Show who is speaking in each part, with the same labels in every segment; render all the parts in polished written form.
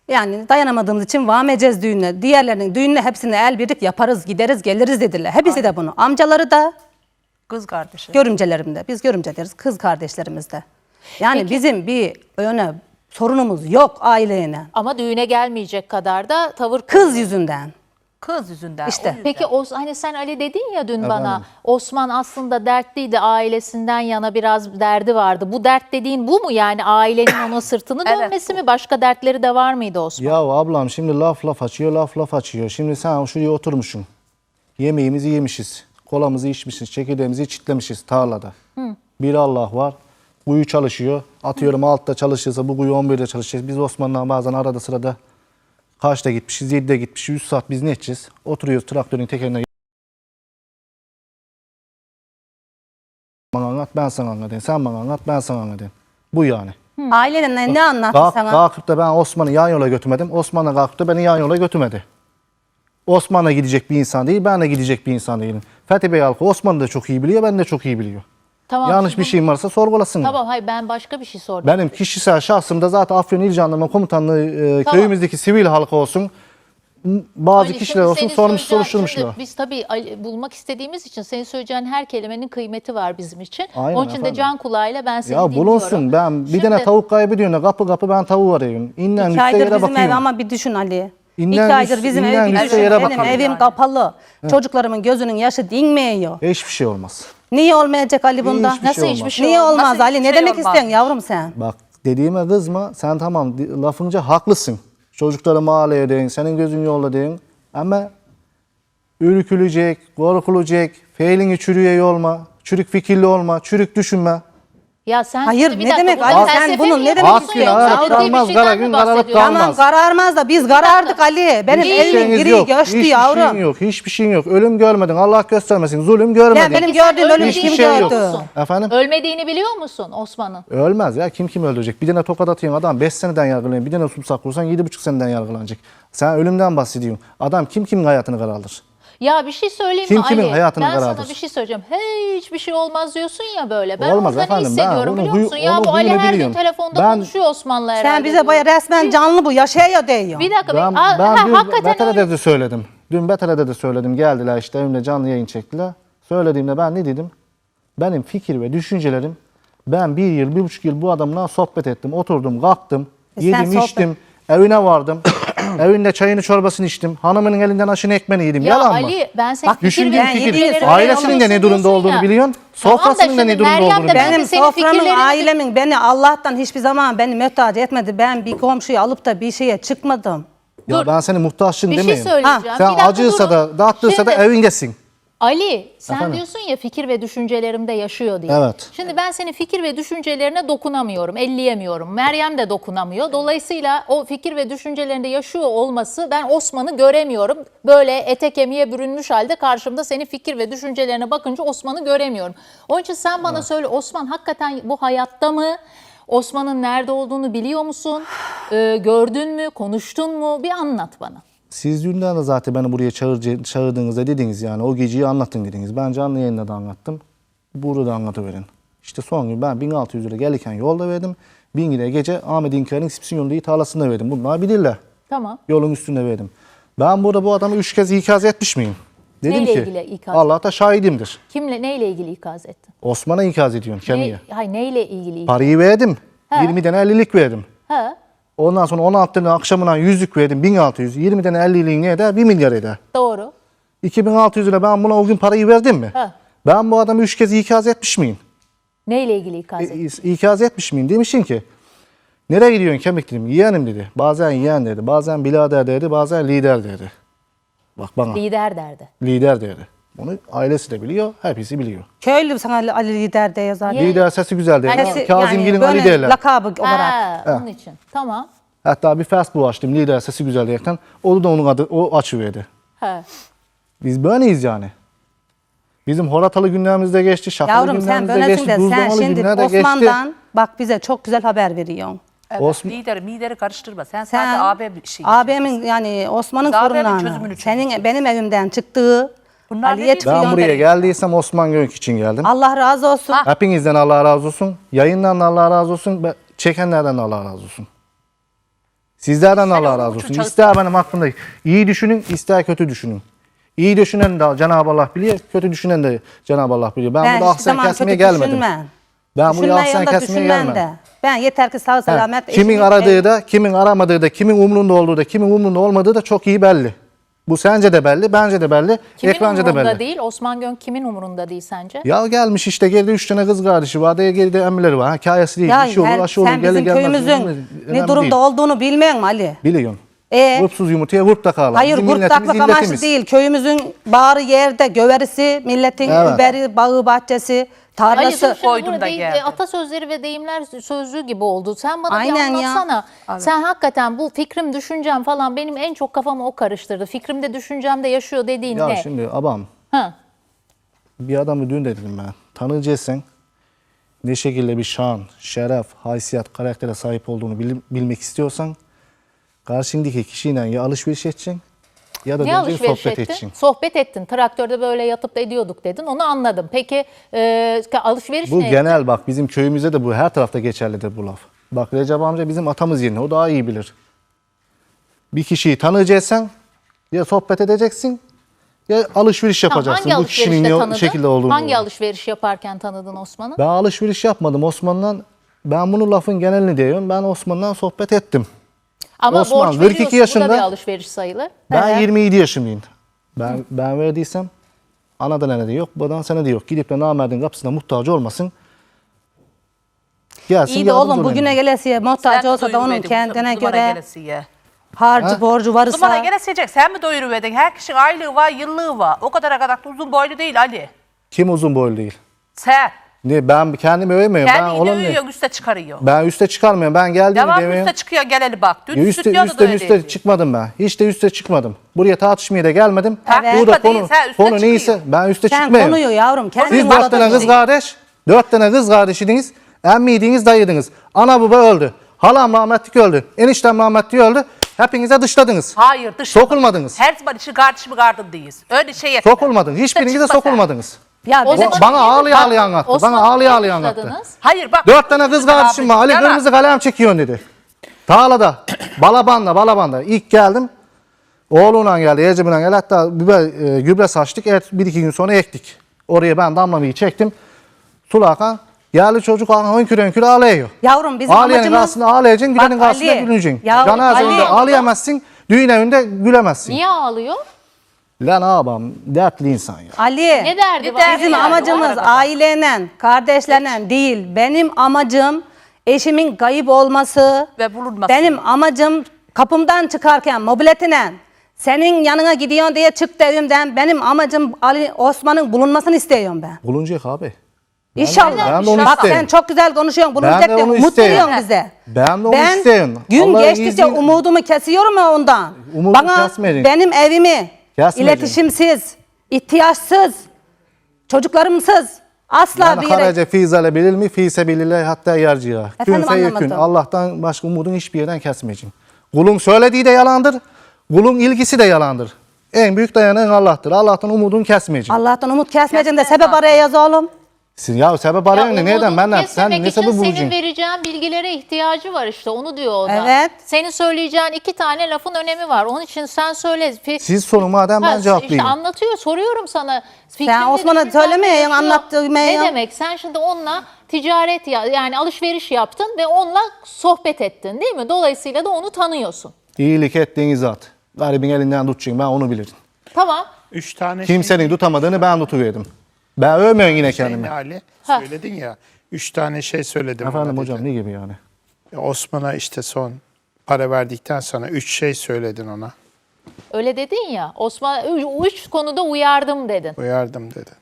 Speaker 1: Yani dayanamadığımız için vameyeceğiz düğünle. Diğerlerinin düğünle hepsini el birlik yaparız, gideriz, geliriz dediler. Hepsi de bunu. Amcaları da,
Speaker 2: Kız kardeşi.
Speaker 1: görümcelerim de. Biz görümce deriz, kız kardeşlerimiz de. Yani
Speaker 3: Peki.
Speaker 1: bizim bir öne sorunumuz yok aileyle.
Speaker 3: Ama düğüne gelmeyecek kadar da tavır
Speaker 1: Kız yüzünden.
Speaker 2: Kız yüzünden.
Speaker 1: İşte.
Speaker 2: o yüzden.
Speaker 3: Peki hani sen Ali dedin ya dün bana, Osman aslında dertliydi, ailesinden yana biraz derdi vardı. Bu dert dediğin bu mu yani, ailenin ona sırtını
Speaker 2: Evet,
Speaker 3: dönmesi mi, başka dertleri de var mıydı Osman?
Speaker 4: Ya ablam şimdi laf açıyor, laf açıyor. Şimdi sen şuraya oturmuşsun. Yemeğimizi yemişiz. Kolamızı içmişiz, çekirdeğimizi çitlemişiz tarlada. Bir Allah var. Kuyu çalışıyor. Atıyorum altta çalışırsa bu kuyu 11'de çalışacağız. Biz Osman'la bazen arada sırada kaçta gitmişiz, 7'de gitmişiz. 100 saat biz ne edeceğiz? Oturuyoruz traktörün tekerine. Bana anlat, ben sana anlatayım. Sen bana anlat, ben sana anlatayım. Bu yani.
Speaker 1: Aileyle ne anlattı sana?
Speaker 4: Kalkıp da ben Osman'ı yan yola götürmedim. Osman da kalkıp da beni yan yola götürmedi. Osman'a gidecek bir insan değil, ben de gidecek bir insan değilim. Fethi Bey halkı Osman'ı da çok iyi biliyor, ben de çok iyi biliyor.
Speaker 3: Tamam,
Speaker 4: Yanlış
Speaker 3: şimdi-
Speaker 4: bir şeyim varsa sorgulasın.
Speaker 3: Tamam, hayır, ben başka bir şey sordum.
Speaker 4: Benim kişisel şahsımda zaten Afyon İl Jandarma Komutanlığı köyümüzdeki sivil halka olsun, bazı
Speaker 3: Ali,
Speaker 4: kişiler
Speaker 3: şimdi
Speaker 4: olsun
Speaker 3: senin
Speaker 4: sormuş
Speaker 3: söyleyeceğin-
Speaker 4: soruşturmuşlar.
Speaker 3: şimdi Biz tabii bulmak istediğimiz için senin söyleyeceğin her kelimenin kıymeti var bizim için.
Speaker 4: Aynen
Speaker 3: Onun için de
Speaker 4: efendim.
Speaker 3: can kulağıyla ben seni
Speaker 4: Ya
Speaker 3: dinliyorum.
Speaker 4: bulunsun, ben bir tane tavuk kaybediyorum da kapı ben tavuğu arıyorum. İnnen
Speaker 1: 2
Speaker 4: üstte
Speaker 1: aydır
Speaker 4: yere
Speaker 1: bizim ev
Speaker 4: bakıyorum.
Speaker 1: ama bir düşün Ali.
Speaker 4: İnden
Speaker 1: 2 aydır
Speaker 4: üst-
Speaker 1: bizim
Speaker 4: inden
Speaker 1: ev bir
Speaker 4: üstte
Speaker 1: düşün.
Speaker 4: yere
Speaker 1: Benim
Speaker 4: bakalım
Speaker 1: evim
Speaker 2: yani.
Speaker 1: kapalı. Çocuklarımın gözünün yaşı dinmiyor.
Speaker 4: Hiçbir şey olmaz.
Speaker 1: Niye olmayacak Ali bunda?
Speaker 4: Hiçbir
Speaker 3: Nasıl
Speaker 4: şey
Speaker 3: hiçbir
Speaker 4: olmaz.
Speaker 3: şey
Speaker 1: Niye
Speaker 3: olmaz?
Speaker 1: olmaz
Speaker 2: Nasıl
Speaker 1: Ali?
Speaker 2: hiçbir
Speaker 1: Ne
Speaker 2: şey
Speaker 1: demek
Speaker 2: olmaz?
Speaker 1: istiyorsun yavrum sen?
Speaker 4: Bak dediğime kızma, sen tamam lafınca haklısın. Çocukları mahalleye deyin, senin gözün yolda deyin. Ama ürkülecek, korkulacak, feylini çürüye yolma, çürük fikirli olma, çürük düşünme.
Speaker 3: Ya sen
Speaker 1: Hayır,
Speaker 3: şimdi bir
Speaker 1: ne
Speaker 3: dakika,
Speaker 1: demek?
Speaker 3: buradan
Speaker 1: Ali, sen
Speaker 3: felsefe
Speaker 1: bunun
Speaker 3: mi
Speaker 1: ne demek
Speaker 3: yapıyorsun
Speaker 4: istiyorsun?
Speaker 3: yoksa
Speaker 4: Ak gün
Speaker 3: ciddi bir
Speaker 4: kararmaz,
Speaker 3: şeyden
Speaker 4: kara
Speaker 3: mi
Speaker 4: gün kararıp
Speaker 3: bahsediyorsun?
Speaker 4: kalmaz.
Speaker 1: Tamam kararmaz da biz karardık Ali. Benim
Speaker 4: Hiçbir
Speaker 1: evimin
Speaker 4: şeyiniz
Speaker 1: biri
Speaker 4: yok,
Speaker 1: göçtü
Speaker 4: hiçbir
Speaker 1: yavrum.
Speaker 4: şeyin yok, hiçbir şeyin yok. Ölüm görmedin, Allah göstermesin, zulüm görmedin.
Speaker 1: Ya benim
Speaker 3: Peki sen
Speaker 1: gördüğüm ölüm
Speaker 3: ölmediğini
Speaker 1: kim
Speaker 4: Hiçbir şey yok.
Speaker 1: gördü?
Speaker 3: musun?
Speaker 4: Efendim?
Speaker 3: Ölmediğini biliyor musun Osman'ın?
Speaker 4: Ölmez ya, kim öldürecek? Bir tane tokat atıyorsun adam 5 seneden yargılanıyor, bir tane sussak vursan 7,5 seneden yargılanacak. Sen ölümden bahsediyorsun. Adam kimin hayatını karardır?
Speaker 3: Ya bir şey söyleyeyim
Speaker 4: Kim
Speaker 3: mi Ali?
Speaker 4: kimin hayatını
Speaker 3: Ben
Speaker 4: karardır?
Speaker 3: sana bir şey söyleyeceğim. Hiçbir şey olmaz diyorsun ya böyle. Ben
Speaker 4: Olmaz
Speaker 3: orada ne
Speaker 4: efendim, ben
Speaker 3: hissediyorum
Speaker 4: onun
Speaker 3: biliyor musun? Ya
Speaker 4: onun
Speaker 3: bu Ali
Speaker 4: huyunu
Speaker 3: her gün
Speaker 4: biliyorum.
Speaker 3: telefonda
Speaker 4: Ben-
Speaker 3: konuşuyor Osman'la herhalde.
Speaker 1: Sen bize
Speaker 3: diyorum.
Speaker 1: baya resmen canlı bu yaşaya diyor.
Speaker 3: Bir dakika.
Speaker 4: Ben dün
Speaker 3: hakikaten
Speaker 4: Betele'de
Speaker 3: öyle.
Speaker 4: de söyledim. Dün Betele'de de söyledim. Geldiler işte evimde canlı yayın çektiler. Söylediğimde ben ne dedim? Benim fikir ve düşüncelerim, ben 1,5 yıl bu adamla sohbet ettim. Oturdum, kalktım,
Speaker 1: Sen
Speaker 4: yedim,
Speaker 1: sohbet-
Speaker 4: içtim. Evine vardım. Evinde çayını çorbasını içtim. Hanımının elinden aşını ekmeğini yedim.
Speaker 3: Ya
Speaker 4: Yalan mı?
Speaker 3: Ali ben senin
Speaker 1: Bak,
Speaker 3: fikir
Speaker 4: Düşündüğüm
Speaker 3: ve
Speaker 4: fikir.
Speaker 3: düşüncelerini
Speaker 4: Ailesinin de ne durumda
Speaker 3: diyorsun
Speaker 4: olduğunu
Speaker 3: ya.
Speaker 4: biliyorsun.
Speaker 3: Tamam da
Speaker 4: Sofrasının da
Speaker 3: şimdi
Speaker 4: ne durumda
Speaker 3: Meryem de
Speaker 4: olduğunu
Speaker 3: ben de
Speaker 4: biliyorsun.
Speaker 1: Benim
Speaker 3: senin
Speaker 1: soframın,
Speaker 3: fikirlerini-
Speaker 1: ailemin beni Allah'tan hiçbir zaman beni mühtaç etmedi. Ben bir komşuyu alıp da bir şeye çıkmadım.
Speaker 4: Ya
Speaker 3: Dur.
Speaker 4: ben senin muhtaçsın
Speaker 3: Bir şey
Speaker 4: demeyeyim.
Speaker 3: söyleyeceğim.
Speaker 1: Ha,
Speaker 3: Bir
Speaker 4: Sen
Speaker 3: dakika
Speaker 4: acıysa
Speaker 3: durun.
Speaker 4: da, dağıttıysa da
Speaker 3: Şimdi-
Speaker 4: evindesin.
Speaker 3: Ali sen
Speaker 4: Efendim?
Speaker 3: diyorsun ya fikir ve düşüncelerimde yaşıyor diye.
Speaker 4: Evet.
Speaker 3: Şimdi ben senin fikir ve düşüncelerine dokunamıyorum, elleyemiyorum. Meryem de dokunamıyor. Dolayısıyla o fikir ve düşüncelerinde yaşıyor olması, ben Osman'ı göremiyorum. Böyle ete kemiğe bürünmüş halde karşımda senin fikir ve düşüncelerine bakınca Osman'ı göremiyorum. Onun için sen bana söyle, Osman hakikaten bu hayatta mı? Osman'ın nerede olduğunu biliyor musun? Gördün mü? Konuştun mu? Bir anlat bana.
Speaker 4: Siz dünden de zaten beni buraya çağırdığınızda dediniz yani o geceyi anlattın dediniz. Ben canlı yayında da anlattım. Burada da anlatıverin. İşte son gün ben 1600 lira gelirken yolda verdim. 1000 lira gece Ahmet İnkar'ın İspsin yolunda tarlasında verdim. Bunlar bilirler.
Speaker 3: Tamam.
Speaker 4: Yolun üstünde verdim. Ben burada bu adamı 3 kez ikaz etmiş miyim? Dedim
Speaker 3: Neyle
Speaker 4: ki
Speaker 3: ilgili ikaz?
Speaker 4: Allah da şahidimdir.
Speaker 3: Kimle, neyle ilgili ikaz ettin?
Speaker 4: Osman'a ikaz ediyorsun kemiğe.
Speaker 3: Hayır, neyle ilgili ikaz?
Speaker 4: Parayı verdim.
Speaker 3: He.
Speaker 4: 20 tane 50'lik verdim.
Speaker 3: Ha,
Speaker 4: Ondan sonra 16 tane akşamına 100'lük verdim 1600. 20 tane 50'liğin ne eder? 1 milyar eder.
Speaker 3: doğru.
Speaker 4: 2600 lira ben buna o gün parayı verdim mi?
Speaker 3: Ha.
Speaker 4: Ben bu adamı 3 kez ikaz etmiş miyim?
Speaker 3: Neyle ilgili ikaz ettin?
Speaker 4: İkaz etmiş miyim? Demişsin ki nereye gidiyorsun kemik dedim. Yeğenim dedi. Bazen yeğen dedi. Bazen birader dedi. Bazen lider dedi. Bak bana.
Speaker 3: Lider derdi.
Speaker 4: Lider dedi. Bunu ailesi de biliyor. Hepsi biliyor.
Speaker 1: Köylü sana Ali lider diye yazar.
Speaker 3: Ye-
Speaker 4: Lider sesi güzel der.
Speaker 1: Sesi-
Speaker 4: Kazımgil'in Ali
Speaker 1: böyle
Speaker 4: derler.
Speaker 1: lakabı olarak.
Speaker 3: Ha, onun için. Tamam.
Speaker 4: Hatta bir Facebook açtım. Lider sesi güzel diyerekten. O da onun adı. O açıverdi.
Speaker 3: Ha.
Speaker 4: Biz böyleyiz yani. Bizim horatalı günlerimizde geçti. Şakalı
Speaker 1: Yavrum sen
Speaker 4: günlerimizde
Speaker 1: böylesin
Speaker 4: geçti.
Speaker 1: de sen
Speaker 4: Buzdamalı
Speaker 1: şimdi
Speaker 4: günler de geçti.
Speaker 1: Osman'dan bak bize çok güzel haber veriyorsun.
Speaker 2: Evet,
Speaker 4: Osman-
Speaker 2: lideri karıştırma. Sen
Speaker 1: Sen
Speaker 2: sadece AB bir şey.
Speaker 1: abimin yani Osman'ın
Speaker 2: Biz AB'nin
Speaker 1: sorunlarını,
Speaker 2: çözümünü
Speaker 1: senin benim evimden çıktığı
Speaker 2: Bunlar
Speaker 1: Ali'ye
Speaker 2: ne değil?
Speaker 1: çıkıyor.
Speaker 4: Ben buraya geldiysem Osman Gönk için geldim.
Speaker 1: Allah razı olsun.
Speaker 4: Hepinizden Allah razı olsun. Yayından da Allah razı olsun. Çekenlerden de Allah razı olsun. Sizlerden
Speaker 2: Sen
Speaker 4: Allah
Speaker 2: onun
Speaker 4: razı
Speaker 2: için
Speaker 4: olsun.
Speaker 2: çalış-
Speaker 4: İster benim hakkımda iyi düşünün, ister kötü düşünün. İyi düşünen de Cenab-ı Allah biliyor, kötü düşünen de Cenab-ı Allah biliyor. Ben burada
Speaker 1: hiçbir
Speaker 4: ahsen
Speaker 1: zaman
Speaker 4: kesmeye
Speaker 1: kötü
Speaker 4: gelmedim.
Speaker 1: düşünmem.
Speaker 4: Ben buraya ahsen
Speaker 1: Düşünmeyen de
Speaker 4: kesmeye
Speaker 1: düşünmem
Speaker 4: gelmedim.
Speaker 1: de. Ben yeter ki sağ
Speaker 4: He,
Speaker 1: selamet.
Speaker 4: kimin
Speaker 1: eşimin-
Speaker 4: aradığı da, kimin aramadığı da, kimin umrunda olduğu da, kimin umrunda olmadığı da çok iyi belli. Bu sence de belli, bence de belli,
Speaker 3: Kimin
Speaker 4: ekranda da
Speaker 3: umurunda
Speaker 4: belli.
Speaker 3: değil? Osman Gönk kimin umurunda değil sence?
Speaker 4: Ya gelmiş işte geride 3 tane kız kardeşi var, geride emmileri var. Hikayesi değil,
Speaker 1: Ya
Speaker 4: bir şey olur, aşı olur,
Speaker 1: sen
Speaker 4: gelir
Speaker 1: bizim
Speaker 4: gelmez.
Speaker 1: köyümüzün
Speaker 4: önemli
Speaker 1: ne durumda
Speaker 4: değil.
Speaker 1: olduğunu bilmiyor musun Ali?
Speaker 4: Biliyorsun.
Speaker 1: Hırsız
Speaker 4: yumurtaya hurt da kalır.
Speaker 1: Hayır,
Speaker 4: Bizim milletimiz
Speaker 1: gurtlaklık amaçlı
Speaker 4: illetimiz.
Speaker 1: değil. Köyümüzün bağrı yerde, göverisi, milletin
Speaker 4: Evet.
Speaker 1: überi, bağı, bahçesi,
Speaker 3: Ali dur
Speaker 1: tarlası.
Speaker 3: şimdi
Speaker 2: Koydum
Speaker 3: burada
Speaker 2: da
Speaker 3: değil,
Speaker 2: geldim.
Speaker 3: atasözleri ve deyimler sözlüğü gibi oldu. Sen bana
Speaker 1: Aynen
Speaker 3: bir
Speaker 1: ya.
Speaker 3: anlatsana. Sen hakikaten bu fikrim, düşüncem falan benim en çok kafamı o karıştırdı. Fikrimde, düşüncemde yaşıyor dediğin
Speaker 4: Ya
Speaker 3: ne?
Speaker 4: şimdi abam,
Speaker 3: Ha.
Speaker 4: bir adamı dün dedim ben. Tanıyacaksan ne şekilde bir şan, şeref, haysiyet, karaktere sahip olduğunu bilmek istiyorsan karşındaki kişiyle ya alışveriş edeceksin ya da
Speaker 3: Ne
Speaker 4: döneceksin
Speaker 3: alışveriş
Speaker 4: sohbet
Speaker 3: ettin?
Speaker 4: edeceksin.
Speaker 3: Sohbet ettin. Traktörde böyle yatıp da ediyorduk dedin. Onu anladım. Peki alışveriş
Speaker 4: Bu
Speaker 3: ne?
Speaker 4: genel bak bizim köyümüzde de bu her tarafta geçerlidir bu laf. Bak Recep amca bizim atamız yerine o daha iyi bilir. Bir kişiyi tanıyacaksan ya sohbet edeceksin ya alışveriş
Speaker 3: Tamam,
Speaker 4: yapacaksın.
Speaker 3: hangi
Speaker 4: Bu kişinin
Speaker 3: alışverişte
Speaker 4: ne
Speaker 3: tanıdın?
Speaker 4: şekilde olduğunu.
Speaker 3: Hangi alışveriş yaparken tanıdın Osman'ı?
Speaker 4: Ben alışveriş yapmadım Osman'dan. Ben bunu lafın genelini diyorum. Ben Osman'dan sohbet ettim.
Speaker 3: Ama
Speaker 4: Osman,
Speaker 3: borç
Speaker 4: 42
Speaker 3: veriyorsun. Bu
Speaker 4: yaşında.
Speaker 3: da bir alışveriş sayılır.
Speaker 4: Ben
Speaker 1: Evet.
Speaker 4: 27 yaşındayım. Ben verdiysem anadan ne de yok, babadan sana da yok. Gidip de namerdin kapısına muhtaç olmasın. Gelsin
Speaker 1: İyi de
Speaker 4: yardımcı
Speaker 1: oğlum
Speaker 4: olayım.
Speaker 1: bugüne gelesiye muhtaç
Speaker 2: Sen
Speaker 1: olsa da onun
Speaker 2: doyuruverdin,
Speaker 1: kendine
Speaker 2: bu zamana
Speaker 1: göre
Speaker 2: gelesiye.
Speaker 1: harcı borcu
Speaker 2: Bu zamana
Speaker 1: varsa.
Speaker 2: gelesiyecek. Sen mi doyuruverdin? Her kişinin aylığı var, yıllığı var. O kadar kadar da uzun boylu değil Ali.
Speaker 4: Kim uzun boylu değil?
Speaker 2: Sen.
Speaker 4: Ne, ben kendimi övemiyorum. Ben
Speaker 2: Kendini
Speaker 4: olan
Speaker 2: övüyorsun, üste çıkarıyor.
Speaker 4: Ben üste çıkarmıyorum. Ben geldiğimi
Speaker 2: Devam
Speaker 4: demiyorum.
Speaker 2: üste çıkıyor, geleli bak. Dün
Speaker 4: Üste,
Speaker 2: stüdyoda da
Speaker 4: üste
Speaker 2: öyleydi.
Speaker 4: çıkmadım ben. Hiç de üste çıkmadım. Buraya tartışmaya da gelmedim.
Speaker 2: Evet.
Speaker 4: Burada
Speaker 2: Tartışma değil,
Speaker 4: konu,
Speaker 2: sen üste
Speaker 4: konu neyse
Speaker 2: çıkıyor.
Speaker 4: ben üste
Speaker 1: Sen
Speaker 4: çıkmıyorum.
Speaker 1: konuyu yavrum kendin
Speaker 4: Siz 4 tane kız kardeş, 4 tane kız kardeşidiniz, emmiydiniz, dayıdınız. Ana baba öldü, halam rahmetlik öldü, eniştem rahmetlik öldü. Hepinize dışladınız.
Speaker 2: Hayır, dış.
Speaker 4: Sokulmadınız.
Speaker 2: Her zaman işi kardeşimi gardındayız. Öyle şey etme.
Speaker 4: Sokulmadınız. Hiçbirinize
Speaker 2: çıkma sen.
Speaker 4: sokulmadınız.
Speaker 1: Ya
Speaker 3: O
Speaker 1: bize
Speaker 3: zaman
Speaker 4: Bana
Speaker 3: niye-
Speaker 4: ağlaya ağlaya anlattı.
Speaker 3: Osman'ı
Speaker 4: Bana ağlaya
Speaker 3: niye
Speaker 4: ağlaya anlattı.
Speaker 3: dışladınız?
Speaker 2: Hayır bak.
Speaker 4: 4 tane kız kardeşim var. Ali
Speaker 2: Yalan.
Speaker 4: kırmızı kalem çekiyorsun dedi. Tarlada, balabanda. İlk geldim. Oğlumla geldi, Ecem'le geldi. Hatta gübre saçtık. Evet, 1-2 gün sonra ektik. Oraya ben damlamayı çektim. Sulakan geldi çocuk hönkür ağlıyor.
Speaker 1: Yavrum bizim
Speaker 4: Ağlayanın
Speaker 1: amacımız.
Speaker 4: karşısında ağlayacaksın, gülenin
Speaker 1: Bak
Speaker 4: karşısında
Speaker 1: Ali,
Speaker 4: güleceksin.
Speaker 1: ya
Speaker 4: Cenaze
Speaker 1: Ali-
Speaker 4: önünde ağlayamazsın, düğün evinde gülemezsin.
Speaker 3: Niye ağlıyor?
Speaker 4: Lan ağabeyim, dertli insan ya.
Speaker 1: Ali.
Speaker 3: Ne derdi
Speaker 2: Ne
Speaker 3: var?
Speaker 2: derdi
Speaker 1: Bizim
Speaker 2: yani,
Speaker 1: amacımız
Speaker 2: o arada.
Speaker 1: aileyle, kardeşlerle değil. Benim amacım eşimin kayıp olması.
Speaker 2: Ve bulunması.
Speaker 1: Benim amacım kapımdan çıkarken mobiletine senin yanına gidiyorsun diye çıktı evimden. Benim amacım Ali Osman'ın bulunmasını istiyorum ben.
Speaker 4: Bulunacak abi.
Speaker 1: İnşallah.
Speaker 4: ben de onu
Speaker 1: Bak
Speaker 4: isterim.
Speaker 1: sen çok güzel konuşuyorsun.
Speaker 4: Ben
Speaker 1: Bulunacak
Speaker 4: de
Speaker 1: diye
Speaker 4: onu
Speaker 1: umut
Speaker 4: isterim.
Speaker 1: veriyorsun bize.
Speaker 4: Ben de onu isterim.
Speaker 1: Gün
Speaker 4: Allah'ın
Speaker 1: geçtikçe
Speaker 4: izniyle-
Speaker 1: umudumu kesiyorum ya ondan.
Speaker 4: Umudu
Speaker 1: Bana
Speaker 4: kesmeyeceksin.
Speaker 1: benim evimi
Speaker 4: Kesmeyeceksin.
Speaker 1: iletişimsiz, ihtiyaçsız, çocuklarımsız asla
Speaker 4: Yani
Speaker 1: bir yere...
Speaker 4: haraca fizale bilir mi? Fise bilirler hatta yarcıya.
Speaker 1: Efendim,
Speaker 4: Künfe yekün.
Speaker 1: anlamadım.
Speaker 4: Allah'tan başka umudun hiçbir yerden kesmeyeceksin. Kulun söylediği de yalandır. Kulun ilgisi de yalandır. En büyük dayanağın Allah'tır. Allah'tan umudun kesmeyeceksin.
Speaker 1: Allah'tan umut kesmeyeceğim de
Speaker 2: Kesme
Speaker 1: sebep araya yaz oğlum.
Speaker 4: Siz ya sebep arayın ne? Neden? Benden sen
Speaker 3: Kesmemek
Speaker 4: ne
Speaker 3: için
Speaker 4: sebep
Speaker 3: senin
Speaker 4: bulacaksın?
Speaker 3: vereceğin bilgilere ihtiyacı var işte onu diyor o da.
Speaker 1: Evet.
Speaker 3: Senin söyleyeceğin 2 tane lafın önemi var. Onun için sen söyle.
Speaker 4: Siz sorun madem ben
Speaker 3: İşte
Speaker 4: cevaplayayım.
Speaker 3: anlatıyor, soruyorum sana.
Speaker 1: Sen Osman'a
Speaker 3: düşüncen
Speaker 1: söylemeyin,
Speaker 3: yaşıyor.
Speaker 1: anlattığım
Speaker 3: Ne
Speaker 1: ya.
Speaker 3: demek? Sen şimdi onunla ticaret yani alışveriş yaptın ve onunla sohbet ettin değil mi? Dolayısıyla da onu tanıyorsun.
Speaker 4: İyilik ettiğin zat. Garibin elinden tutacaksın ben onu bilirim.
Speaker 3: Tamam.
Speaker 5: 3 tane
Speaker 4: Kimsenin tutamadığını ben tutuverdim. Ben övmüyorum yine
Speaker 5: şey
Speaker 4: kendimi.
Speaker 5: Ali
Speaker 3: Ha.
Speaker 5: söyledin ya. 3 tane şey söyledim.
Speaker 4: Efendim
Speaker 5: ona
Speaker 4: hocam
Speaker 5: dedin.
Speaker 4: ne gibi yani?
Speaker 5: Osman'a işte son para verdikten sonra 3 şey söyledin ona.
Speaker 3: Öyle dedin ya. Osman 3 konuda uyardım dedin.
Speaker 5: Uyardım dedi.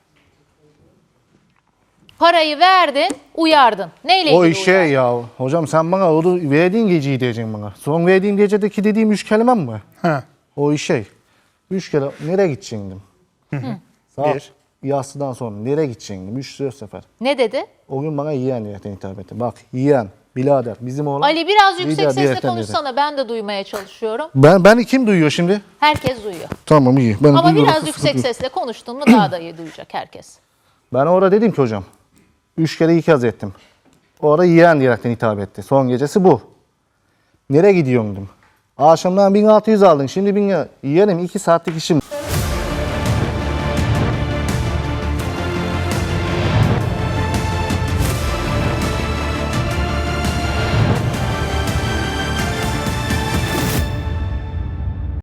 Speaker 3: Parayı verdin, uyardın. Neyle
Speaker 4: O
Speaker 3: ilgili
Speaker 4: işe
Speaker 3: uyardın?
Speaker 4: ya. Hocam sen bana o verdiğin geceyi diyeceksin bana. Son verdiğim gecedeki dediğim 3 kelimem mi?
Speaker 5: Ha.
Speaker 4: O işe. 3 kere nereye gidecektim? Saat
Speaker 5: Bir.
Speaker 4: yatsıdan sonra nereye gidecektim? 3-4 sefer.
Speaker 3: Ne dedi?
Speaker 4: O gün bana yiyen diyetten hitap etti. Bak yiyen, birader bizim oğlan.
Speaker 3: Ali biraz yüksek
Speaker 4: lider
Speaker 3: sesle
Speaker 4: diyetten
Speaker 3: konuşsana. Ben de duymaya çalışıyorum.
Speaker 4: Ben kim duyuyor şimdi?
Speaker 3: Herkes duyuyor.
Speaker 4: Tamam iyi. Ben
Speaker 3: Ama
Speaker 4: duyuyorum.
Speaker 3: biraz yüksek sesle konuştun mu daha da iyi duyacak herkes.
Speaker 4: Ben orada dedim ki hocam. 3 kere ikaz ettim. Orada yiyen diyerekten hitap etti. Son gecesi bu. Nereye gidiyorsun dedim. Akşamdan 1600 aldın. Şimdi 1000 yerim 2 saatlik işim.